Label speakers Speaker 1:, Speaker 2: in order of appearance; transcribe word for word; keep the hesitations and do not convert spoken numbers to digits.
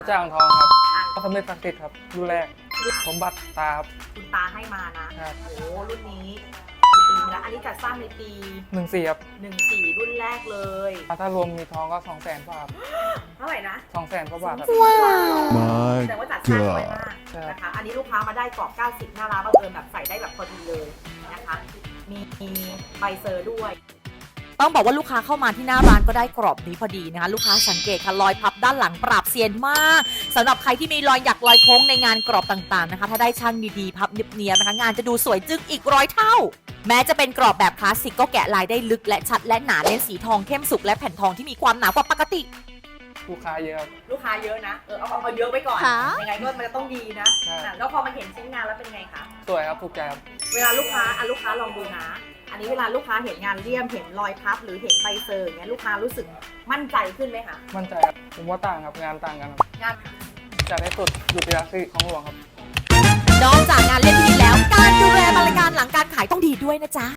Speaker 1: จ้างทองครับก็สำเร็จศักดิ์สิทธิ์ครับรุ่นแรกสมบัติตาครับ
Speaker 2: คุณตาให้มานะ
Speaker 1: ครับ
Speaker 2: โอ้รุ่นนี้กี่ปีมาแล้วอันนี้จัดสร้างในปี
Speaker 1: หนึ่งสี่ครับ
Speaker 2: หนึ่งสี่รุ่นแรกเลย
Speaker 1: ถ้ารวมมีทองก็สองแสนกว่าครับ
Speaker 2: เท่าไหร่นะ
Speaker 1: สองแสนกว่าบาทครับ
Speaker 2: ว้าว
Speaker 3: My
Speaker 2: แต่ว่าจัดสร้างไว้มาก
Speaker 1: ใช่
Speaker 2: นะคะ อันนี้ลูกค้ามาได้กรอบเก้าสิบหน้าร้านบังเอิญแบบใส่ได้แบบพอดีเลยนะคะ มีใบเซอร์ด้วย ต้องบอกว่าลูกค้าเข้ามาที่หน้าร้านก็ได้กรอบนี้พอดีนะคะลูกค้าสังเกตค่ะรอยพับด้านหลังปราบเซียนมากสำหรับใครที่มีรอยหยักรอยโค้งในงานกรอบต่างๆนะคะถ้าได้ช่างดีๆพับเนียบๆนะคะงานจะดูสวยจึ้งอีกร้อยเท่า แม้จะเป็นกรอบแบบคลาสสิกก็แกะลายได้ลึกและชัดและหนาเน้นสีทองเข้มสุกและแผ่นทองที่มีความหนากว่าปกติ
Speaker 1: ลูกค้าเยอะครับ
Speaker 2: ลูกค้าเยอะนะเออเอาเอาเยอะไว้ก่อน
Speaker 4: ค่ะ
Speaker 2: ยังไงก็มันจะต้องดีนะ
Speaker 1: ใช่
Speaker 2: อ่ะแล้วพอมาเห็นชิ้นงานแล้วเป็นไงคะ
Speaker 1: สวยครับถูกใจครับ
Speaker 2: เวลาลูกค้าอ่ะลูกค้าลองดูนะ อันนี้เวลาลูกค้าเห็นงานเลี่ยมเห็นรอยพับหรือเห็นใบเซอร์อย่างเงี้ยลูกค้ารู้สึกมั่นใจขึ้นไหมคะ
Speaker 1: มั่นใจครับผมว่าต่างครับงานต่างกันครับ
Speaker 2: งาน
Speaker 1: จัดให้สุดหยุดยาสิของหลวงครับ
Speaker 4: นอกจากงานเล่นที่ดีแล้ว การดูแลบริการหลังการขายต้องดีด้วยนะจ๊ะ